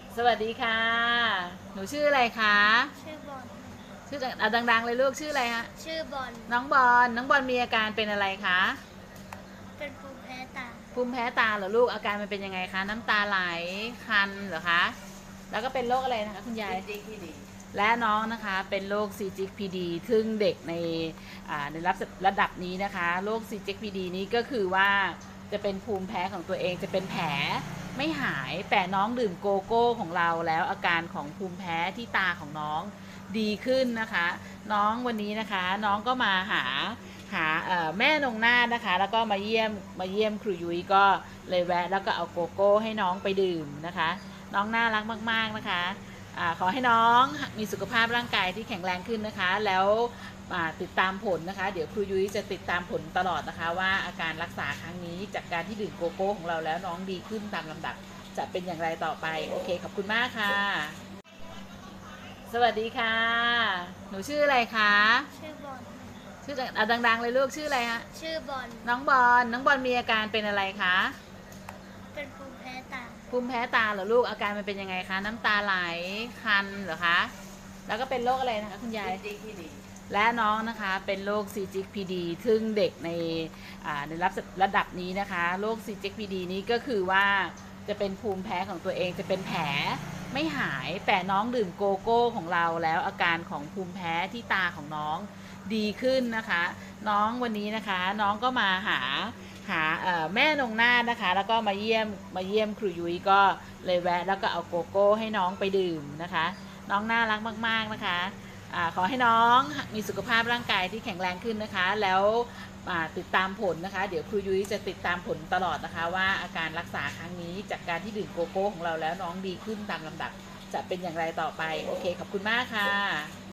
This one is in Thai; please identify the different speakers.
Speaker 1: สวัสดีค่ะ หนูชื่ออะไรคะ
Speaker 2: ชื่อบอล
Speaker 1: ชื่อดังๆเลยลูกชื่ออะไรฮะ
Speaker 2: ชื่อบอล
Speaker 1: น้องบอลน้องบอลมีอาการเป็นอะไรคะ
Speaker 2: เป็นภูมิแพ้ตา
Speaker 1: ภูมิแพ้ตาเหรอลูกอาการมันเป็นยังไงคะน้ำตาไหลคันเหรอคะแล้วก็เป็นโรคอะไรนะคะคุณยายและน้องนะคะเป็นโรค CGPD ซึ่งเด็กในระดับนี้นะคะโรค CGPD นี้ก็คือว่าจะเป็นภูมิแพ้ของตัวเองจะเป็นแผลไม่หายแต่น้องดื่มโกโก้ของเราแล้วอาการของภูมิแพ้ที่ตาของน้องดีขึ้นนะคะน้องวันนี้นะคะน้องก็มาหาแม่นงนาถนะคะแล้วก็มาเยี่ยมครูยุ้ยก็เลยแวะแล้วก็เอาโกโก้ให้น้องไปดื่มนะคะน้องน่ารักมากๆนะคะขอให้น้องมีสุขภาพร่างกายที่แข็งแรงขึ้นนะคะแล้วติดตามผลนะคะเดี๋ยวครูยุ้ยจะติดตามผลตลอดนะคะว่าอาการรักษาครั้งนี้จากการที่ดื่มโกโก้ของเราแล้วน้องดีขึ้นตามลำดับจะเป็นอย่างไรต่อไปโอเคขอบคุณมากค่ะสวัสดีค่ะหนูชื่ออะไรคะ
Speaker 2: ชื่อบอล
Speaker 1: ชื่อดังๆเลยลูกชื่ออะไรฮะ
Speaker 2: ชื่อบอล
Speaker 1: น้องบอลมีอาการเป็นอะไรคะ
Speaker 2: เป็นภูมิแพ้ตา
Speaker 1: ภูมิแพ้ตาเหรอลูกอาการมันเป็นยังไงคะน้ำตาไหลคันเหรอคะแล้วก็เป็นโรคอะไรนะคะคุณยายและน้องนะคะเป็นโรค CGPD ซึ่งเด็กในระดับนี้นะคะโรค CGPD นี้ก็คือว่าจะเป็นภูมิแพ้ของตัวเองจะเป็นแผลไม่หายแต่น้องดื่มโกโก้ของเราแล้วอาการของภูมิแพ้ที่ตาของน้องดีขึ้นนะคะน้องวันนี้นะคะน้องก็มาหาแม่นงนาถนะคะแล้วก็มาเยี่ยมครูยุ้ยก็เลยแวะแล้วก็เอาโกโก้ให้น้องไปดื่มนะคะน้องน่ารักมากๆนะคะขอให้น้องมีสุขภาพร่างกายที่แข็งแรงขึ้นนะคะแล้วติดตามผลนะคะเดี๋ยวครูยุ้ยจะติดตามผลตลอดนะคะว่าอาการรักษาครั้งนี้จากการที่ดื่มโกโก้ของเราแล้วน้องดีขึ้นตามลำดับจะเป็นอย่างไรต่อไปโอเคขอบคุณมากค่ะ